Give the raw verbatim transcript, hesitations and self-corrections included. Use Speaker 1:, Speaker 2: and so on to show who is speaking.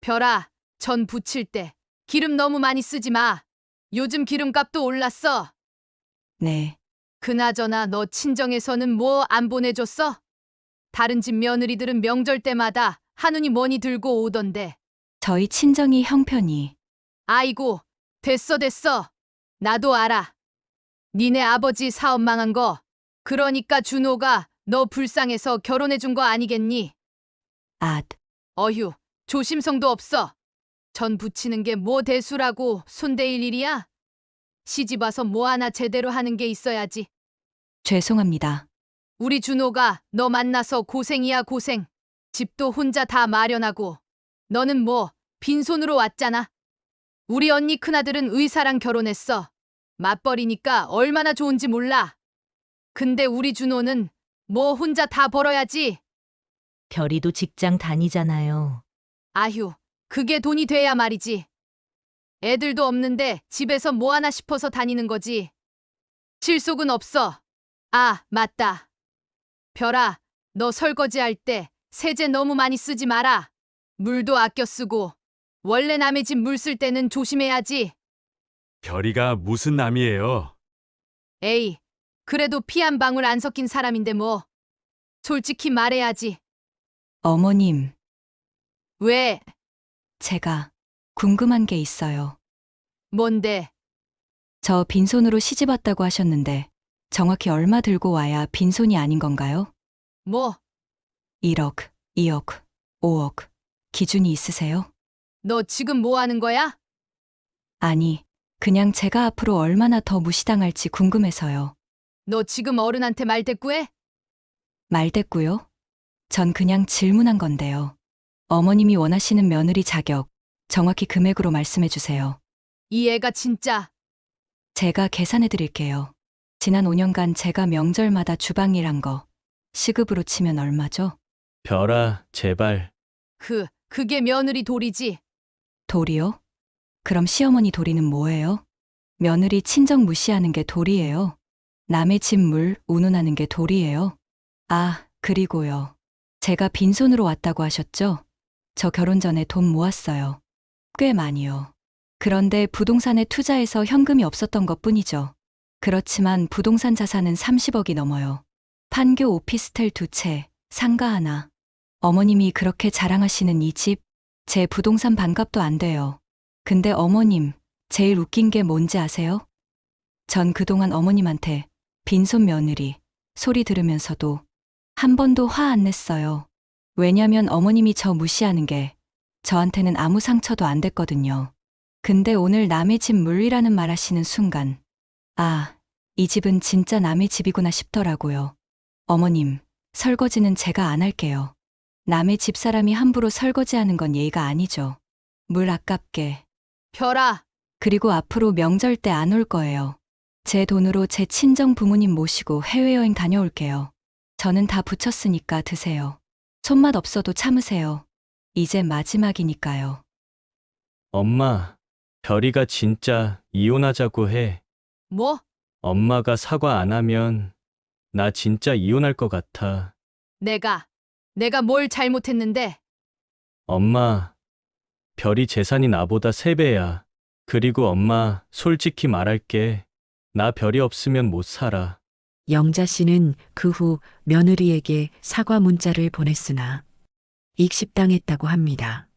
Speaker 1: 별아, 전 부칠 때 기름 너무 많이 쓰지 마. 요즘 기름값도 올랐어.
Speaker 2: 네,
Speaker 1: 그나저나 너 친정에서는 뭐 안 보내줬어? 다른 집 며느리들은 명절 때마다 한우니 뭐니 들고 오던데.
Speaker 2: 저희 친정이 형편이
Speaker 1: 아이고, 됐어 됐어. 나도 알아. 니네 아버지 사업 망한 거. 그러니까 준호가 너 불쌍해서 결혼해준 거 아니겠니?
Speaker 2: 앗,
Speaker 1: 어휴, 조심성도 없어. 전 부치는 게 뭐 대수라고 손대일 일이야? 시집 와서 뭐 하나 제대로 하는 게 있어야지.
Speaker 2: 죄송합니다.
Speaker 1: 우리 준호가 너 만나서 고생이야 고생. 집도 혼자 다 마련하고. 너는 뭐 빈손으로 왔잖아. 우리 언니 큰아들은 의사랑 결혼했어. 맞벌이니까 얼마나 좋은지 몰라. 근데 우리 준호는 뭐 혼자 다 벌어야지.
Speaker 3: 별이도 직장 다니잖아요.
Speaker 1: 아휴, 그게 돈이 돼야 말이지. 애들도 없는데 집에서 뭐 하나 싶어서 다니는 거지. 실속은 없어. 아, 맞다. 별아, 너 설거지할 때 세제 너무 많이 쓰지 마라. 물도 아껴 쓰고. 원래 남의 집 물 쓸 때는 조심해야지.
Speaker 4: 별이가 무슨 남이에요?
Speaker 1: 에이, 그래도 피 한 방울 안 섞인 사람인데 뭐. 솔직히 말해야지.
Speaker 2: 어머님,
Speaker 1: 왜?
Speaker 2: 제가 궁금한 게 있어요.
Speaker 1: 뭔데?
Speaker 2: 저 빈손으로 시집 왔다고 하셨는데 정확히 얼마 들고 와야 빈손이 아닌 건가요?
Speaker 1: 뭐?
Speaker 2: 일억, 이억, 오억 기준이 있으세요?
Speaker 1: 너 지금 뭐 하는 거야?
Speaker 2: 아니, 그냥 제가 앞으로 얼마나 더 무시당할지 궁금해서요.
Speaker 1: 너 지금 어른한테 말대꾸해?
Speaker 2: 말됐고요. 전 그냥 질문한 건데요. 어머님이 원하시는 며느리 자격 정확히 금액으로 말씀해 주세요.
Speaker 1: 이 애가 진짜.
Speaker 2: 제가 계산해 드릴게요. 지난 오 년간 제가 명절마다 주방 일한 거 시급으로 치면 얼마죠?
Speaker 5: 별아, 제발.
Speaker 1: 그, 그게 며느리 돌이지.
Speaker 2: 돌이요? 그럼 시어머니 돌이는 뭐예요? 며느리 친정 무시하는 게 돌이에요. 남의 집 물 운운하는 게 돌이에요. 아, 그리고요. 제가 빈손으로 왔다고 하셨죠? 저 결혼 전에 돈 모았어요. 꽤 많이요. 그런데 부동산에 투자해서 현금이 없었던 것 뿐이죠. 그렇지만 부동산 자산은 삼십억이 넘어요. 판교 오피스텔 두 채, 상가 하나. 어머님이 그렇게 자랑하시는 이 집, 제 부동산 반값도 안 돼요. 근데 어머님, 제일 웃긴 게 뭔지 아세요? 전 그동안 어머님한테 빈손 며느리 소리 들으면서도 한 번도 화 안 냈어요. 왜냐면 어머님이 저 무시하는 게 저한테는 아무 상처도 안 됐거든요. 근데 오늘 남의 집 물리라는 말 하시는 순간, 아, 이 집은 진짜 남의 집이구나 싶더라고요. 어머님, 설거지는 제가 안 할게요. 남의 집사람이 함부로 설거지하는 건 예의가 아니죠. 물 아깝게.
Speaker 1: 별아,
Speaker 2: 그리고 앞으로 명절 때 안 올 거예요. 제 돈으로 제 친정 부모님 모시고 해외여행 다녀올게요. 저는 다 붙였으니까 드세요. 손맛 없어도 참으세요. 이제 마지막이니까요.
Speaker 5: 엄마, 별이가 진짜 이혼하자고 해.
Speaker 1: 뭐?
Speaker 5: 엄마가 사과 안 하면 나 진짜 이혼할 것 같아.
Speaker 1: 내가, 내가 뭘 잘못했는데?
Speaker 5: 엄마, 별이 재산이 나보다 세 배야. 그리고 엄마, 솔직히 말할게. 나 별이 없으면 못 살아.
Speaker 6: 영자 씨는 그 후 며느리에게 사과 문자를 보냈으나 익십당했다고 합니다.